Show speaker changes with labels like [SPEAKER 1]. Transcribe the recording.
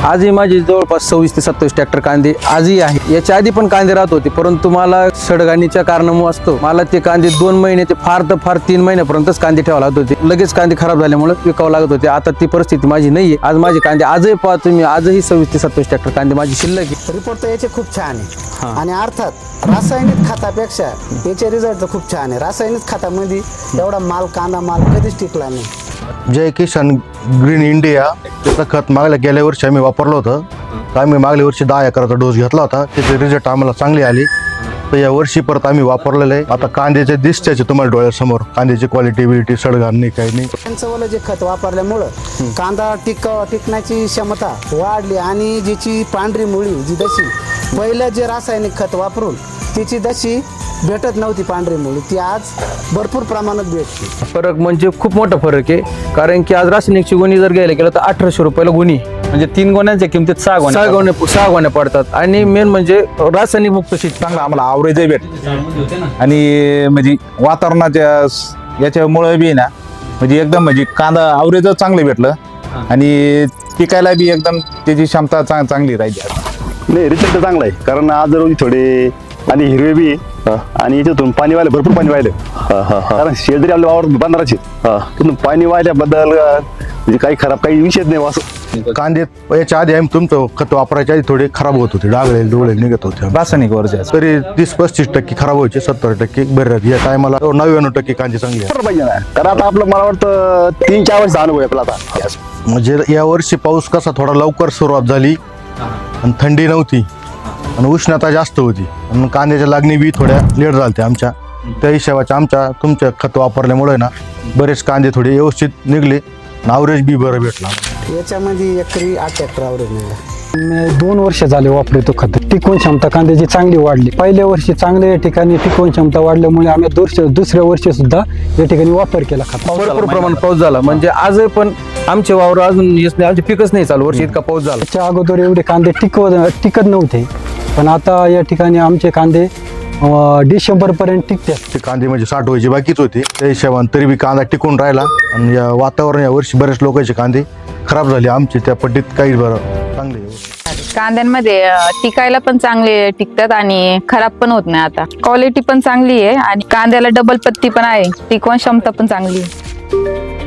[SPEAKER 1] आजही माझी जवळपास 26 ते 27 ट्रॅक्टर कांदे आजही आहे. याच्या आधी पण कांदे राहत होते, परंतु मला सडगाणीच्या कारणामुळे असतो मला ते कांदे 2 महिने ते फार तर फार 3 महिन्यापर्यंतच कांदे ठेवावे लागत होते. लगेच कांदे खराब झाल्यामुळे विकावं लागत होते. आता ती परिस्थिती माझी नाहीये. आज माझे कांदे आजही पाहा तुम्ही, आजही 26 ते 27 ट्रॅक्टर कांदे माझी शिल्लक आहे.
[SPEAKER 2] रिपोर्ट तर याचे खूप छान आहे आणि अर्थात रासायनिक खतापेक्षा याचे रिझल्ट तर खूप छान आहे. रासायनिक खतामध्ये एवढा कांदा माल कधीच टिकला नाही.
[SPEAKER 3] जय किसान ग्रीन इंडिया त्याचं खत गेल्या वर्षी आम्ही वापरलं होतं. तर आम्ही मागल्या वर्षी 10 एकराचा डोस घेतला होता. त्याचे रिझल्ट आम्हाला चांगले आले. तर या वर्षी परत आम्ही वापरलेलं आहे. आता कांद्याचे दिसत्याचे तुम्हाला डोळ्यासमोर कांद्याची क्वालिटी बिलिटी सडगाण नाही काही नाही.
[SPEAKER 2] त्यांचं वालं जे खत वापरल्यामुळं कांदा टिकण्याची क्षमता वाढली आणि जिची पांढरी मुळी जी दशी पहिलं जे रासायनिक खत वापरून तिची दशी भेटत नव्हती पांढरी मुळी, ती आज भरपूर प्रमाणात भेटते.
[SPEAKER 1] फरक म्हणजे खूप मोठा फरक आहे. कारण की आज रासायनिकची गोणी जर घ्यायला गेलं तर 1800 रुपयाला गोणी,
[SPEAKER 4] म्हणजे 3 गोण्यांच्या किमतीत 6
[SPEAKER 1] गोण्या पडतात. आणि मेन म्हणजे रासायनिक मुक्त शेती
[SPEAKER 4] चांगला आम्हाला आवरेज भेट आणि म्हणजे वातावरणाच्या याच्यामुळे बी ना म्हणजे एकदम म्हणजे कांदा आवरेज चांगलं भेटलं आणि पिकायला बी एकदम त्याची क्षमता चांगली राहिली.
[SPEAKER 5] नाही रिझल्ट चांगला आहे, कारण आज रोजी थोडे आणि हिरवे बी आणि याच्यातून पाणी वाहिले भरपूर पाणी वाहिलं. कारण शेजारी आपल्या वावर बांधराचे तिथून पाणी वाहिल्याबद्दल म्हणजे काही खराब काही विषयच नाही. असं
[SPEAKER 3] कांदे याच्या आधी आम्ही तुमचं खत वापरायच्या आधी थोडे खराब होत होते, डागळे डोळे निघत होते.
[SPEAKER 4] रासायनिक वरच्या
[SPEAKER 3] तरी 30-35% खराब व्हायचे, 70% बरे राहते. या टायमाला 99% कांदे चांगले आहेत.
[SPEAKER 5] पाहिजे ना, कारण आता आपलं मला वाटतं 3-4 वर्ष अनुभव आहे आपला आता.
[SPEAKER 3] म्हणजे या वर्षी पाऊस कसा थोडा लवकर सुरुवात झाली आणि थंडी नव्हती आणि उष्णता जास्त होती आणि कांद्याच्या लागणी बी थोड्या लेट झाल्या आमच्या. त्या हिशोबाच्या तुमच्या खत वापरल्यामुळे ना बरेच कांदे थोडे व्यवस्थित निघले आणि ॲव्हरेज बी बरं भेटला.
[SPEAKER 2] याच्यामध्ये एकरी 8 ट्रॅक्टर आवरेज निघाला.
[SPEAKER 6] 2 वर्ष झाले वापरतो खत. टिकवून क्षमता कांद्याची चांगली वाढली. पहिल्या वर्षी चांगल्या या ठिकाणी टिकवून क्षमता वाढल्यामुळे आम्ही दुसऱ्या वर्षी सुद्धा या ठिकाणी वापर केला खत.
[SPEAKER 1] भरपूर प्रमाणात पाऊस झाला. म्हणजे आजही पण आमचे वावर अजून आमचे पिकच नाही चालू. वर्षी इतका पाऊस झाला.
[SPEAKER 6] त्याच्या अगोदर एवढे कांदे टिकत नव्हते, पण आता या ठिकाणी आमचे कांदे डिसेंबरपर्यंत टिकतात.
[SPEAKER 3] ते कांदे म्हणजे 60 व्हायची बाकीच होती. त्या हिशोबाने तरी बी कांदा टिकून राहिला आणि या वातावरण या वर्षी बरेच लोकांचे कांदे खराब झाले. आमचे त्या पट्टीत काही बरं चांगले.
[SPEAKER 7] कांद्यांमध्ये टिकायला पण चांगले टिकतात आणि खराब पण होत नाही. आता क्वालिटी पण चांगली आहे आणि कांद्याला डबल पत्ती पण आहे. टिकवण क्षमता पण चांगली आहे.